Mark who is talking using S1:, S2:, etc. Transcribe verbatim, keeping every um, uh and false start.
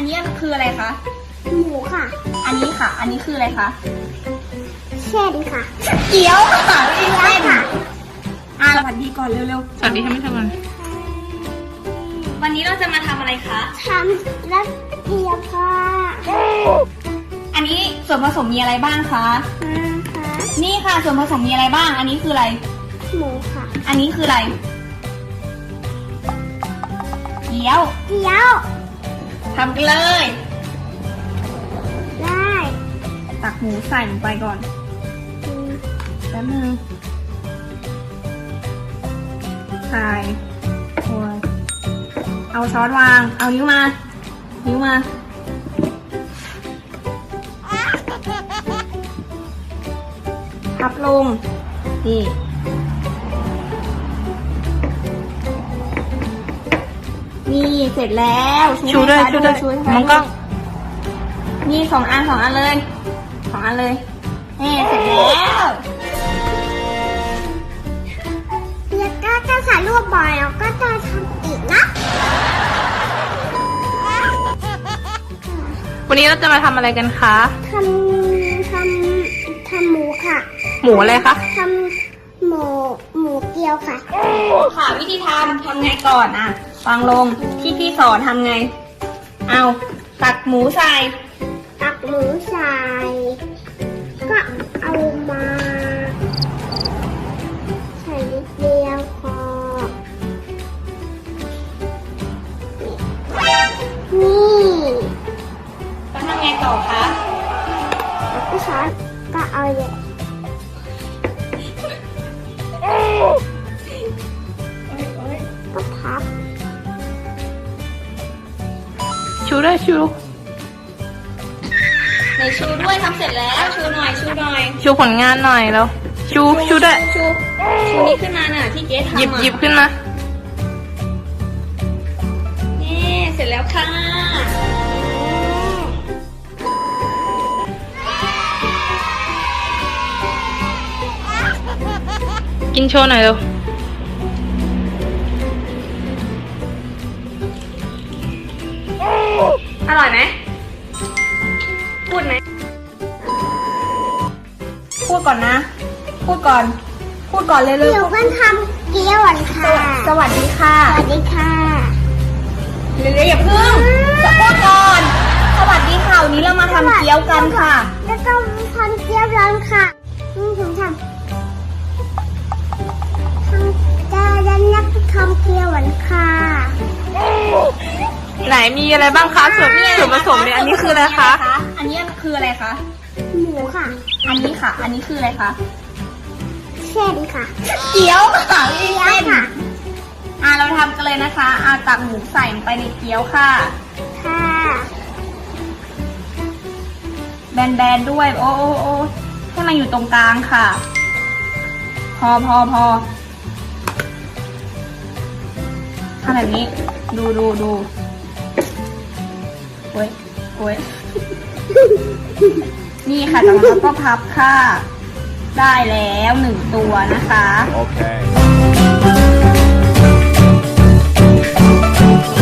S1: นี้คืออะไรคะ
S2: หมูค่ะ
S1: อันนี้ค่ะอันนี้คืออะไรคะ
S2: เส้นค่ะ
S1: เกี๊ยวค่ะเกี๊ยวค่ะอ่าสวัสดีก่อนเร็วๆ
S3: สวัสดีค่ะไม่ทำอะไร
S1: วันนี้เราจะมาทำอะไรคะ
S2: ทำรักเกี๊ยวค่ะ
S1: อันนี้ส่วนผสมมีอะไรบ้างคะ
S2: ค่ะ
S1: นี่ค่ะส่วนผสมมีอะไรบ้างอันนี้คืออะไร
S2: หมูค่ะ
S1: อันนี้คืออะไรเกี๊ยว
S2: เกี๊ยว
S1: ทำกันเลย
S2: ได้
S1: ตักหมูใส่ลงไปก่อนแป๊บนึงใส่โอ้ยเอาช้อนวางเอานิ้วมานิ้วมาพับลงนี่นี่เสร็จแล้ว
S3: ชูด้วยชูด้วยมองกล้อง
S1: นี่สองอันสองอันเลยสองอันเลยนี่เสร็จแล้ว
S2: แล้วก็จะถ่ายรูปบ่อยแล้วก็จะทำอีกนะ
S3: วันนี้เราจะมาทำอะไรกันคะ
S2: ทำทำทำหมูค่ะ
S3: หมูอะไรคะ
S2: ทำหมูหมูเกี๊ยวค่ะ
S1: ค่ะวิธีทำทำไงก่อนอ่ะฟังลงที่พี่สอนทำไงเอาตักหมูใส่
S2: ตักหมูใส่ก็เอามาใส่นิดเดียวพอนี่
S1: แล้วทำไงต่อคะ
S2: แล้วก็ช้อนก็เอาเลยก็พับ
S3: ชูด้วยชู
S1: ในชูด้วยทำเสร็จแล้วชูหน่อยชูหน่อย
S3: ชูผลงานหน่อยแล้วชูชูด้วย
S1: ชูชูนี่ขึ้นมาน่ะที่เจ๊ทำ
S3: หยิบหยิบขึ้นมา
S1: นี่เสร็จแล้วค่ะ
S3: กินโชว์หน่อยเร็ว
S1: อร่อยไหมพูดไหมพูดก่อนนะพูดก่อนพูดก่อนเลยเลย
S2: เดี๋ยวกันทำเกี๊ยวก่อนค่ะ
S1: สวัสดีค่ะ
S2: สวัสดีค่ะ
S1: เร็วๆอย่าพึ่งจะพูดก่อนสวัสดีค่ะวันนี้เรามาทำเกี๊ยวกันค่ะ
S2: แล้วก็ทำเกี๊ยวร้อนค่ะนี่ถึงทำทำจะยันนักทำเกี๊ยวหวานค่ะ
S3: ไหนมีอะไรบ้างคะส่วนส่วนผสมเนี่ยอันนี้คืออะไรคะ
S1: อันนี้คืออะไรคะ
S2: หมูค่ะ
S1: อันนี้ค่ะอันนี้คืออะไรคะ
S2: เส้นค่ะ
S1: เกี๊ยวค่ะ
S2: เกี๊ยวค่ะ
S1: อ่าเราทำกันเลยนะคะอ่าตักหมูใส่ลงไปในเกี๊ยวค่ะ
S2: ค่ะ
S1: แบนๆด้วยโอ้โอ้โอ้ให้มันอยู่ตรงกลางค่ะพอพอพอทำแบบนี้ดูดูดูโอ้ยโอ้ยนี่ค่ะจากนั้นเราก็พับค่ะได้แล้วหนึ่งตัวนะคะโอเค